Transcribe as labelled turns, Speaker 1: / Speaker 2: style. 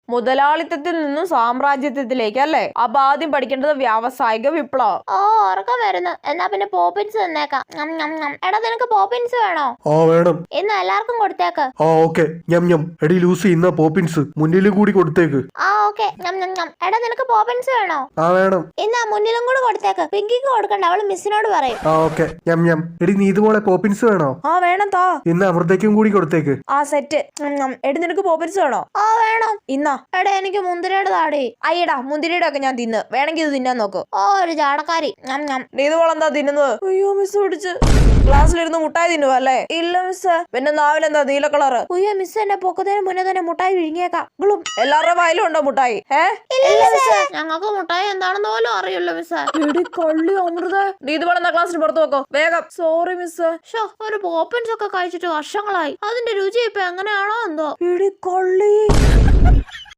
Speaker 1: മുതലാളിത്തത്തിൽ നിന്നും സാമ്രാജ്യത്വത്തിലേക്ക് അല്ലേ? അപ്പൊ ആദ്യം പഠിക്കേണ്ടത് വ്യാവസായിക വിപ്ലവം.
Speaker 2: ഉറക്കം വരുന്നു. എന്നാ പിന്നെ പോപ്പിൻസ് തന്നേക്കാം. എടാ നിനക്ക് പോപ്പിൻസ് വേണോ?
Speaker 3: വേണം.
Speaker 2: ഇന്ന് എല്ലാവർക്കും കൊടുത്തേക്ക്.
Speaker 3: ഓക്കെ. എടി ലൂസി ഇന്ന പോപ്പിൻസ് മുന്നിലും കൂടി കൊടുത്തേക്ക്.
Speaker 2: ഓക്കെ. എടാ നിനക്ക് പോപ്പിൻസ് വേണോ?
Speaker 3: വേണം.
Speaker 2: ഇന്നാ മുന്നിലും കൂടി കൊടുത്തേക്ക്. പിങ്കിക്ക് കൊടുക്കണ്ട, അവള് മിസ്സിനോട് പറയും.
Speaker 3: ഓക്കെ. എടി നീ ഇതുപോലെ പോപ്പിൻസ് വേണോ?
Speaker 1: വേണം താ.
Speaker 3: ഇന്ന് അമൃതയ്ക്കും കൂടി കൊടുത്തേക്ക്.
Speaker 1: സെറ്റ്. എടി നിനക്ക് പോപ്പിൻസ് വേണോ?
Speaker 2: വേണം.
Speaker 1: ഇന്നാ.
Speaker 2: എടാ എനിക്ക് മുന്തിരിയുടെ താടി.
Speaker 1: അയ്യടാ മുന്തിരിയുടെ ഒക്കെ ഞാൻ തിന്ന്. വേണമെങ്കിൽ ഇത് തിന്നാൻ നോക്കൂ.
Speaker 2: ഒരു ചാടക്കാരി.
Speaker 1: നീ ഇതുപോലെ എന്താ തിന്നുന്നത്? അയ്യോ മിസ് പിടിച്ച്. ക്ലാസ്സിലിരുന്ന് മുട്ടായി തിന്നുവ അല്ലേ? ഇല്ല മിസ്. പിന്നെ നാവിലെന്താ നീല കളറ്?
Speaker 2: അയ്യോ മിസ് എന്നെ പൊക്കത്തിന് മുന്നേ തന്നെ മുട്ടായി വിഴുങ്ങിയേക്കാം.
Speaker 1: എല്ലാവരുടെ വായിലും ഉണ്ടോ മുട്ടായി?
Speaker 2: ഞങ്ങൾക്ക് മുട്ടായി എന്താണെന്ന് പോലും അറിയില്ല മിസ്.
Speaker 1: എടി കള്ളി അമൃത, നീ ഇതുപോലെ എന്താ ക്ലാസ്സിന് പുറത്ത് വെക്കോ വേഗം. Sorry miss.
Speaker 2: ഒരു പോപ്പിൻസ് ഒക്കെ കഴിച്ചിട്ട് വർഷങ്ങളായി. അതിന്റെ രുചി ഇപ്പൊ എങ്ങനെയാണോ എന്തോ.
Speaker 1: എടി കള്ളി.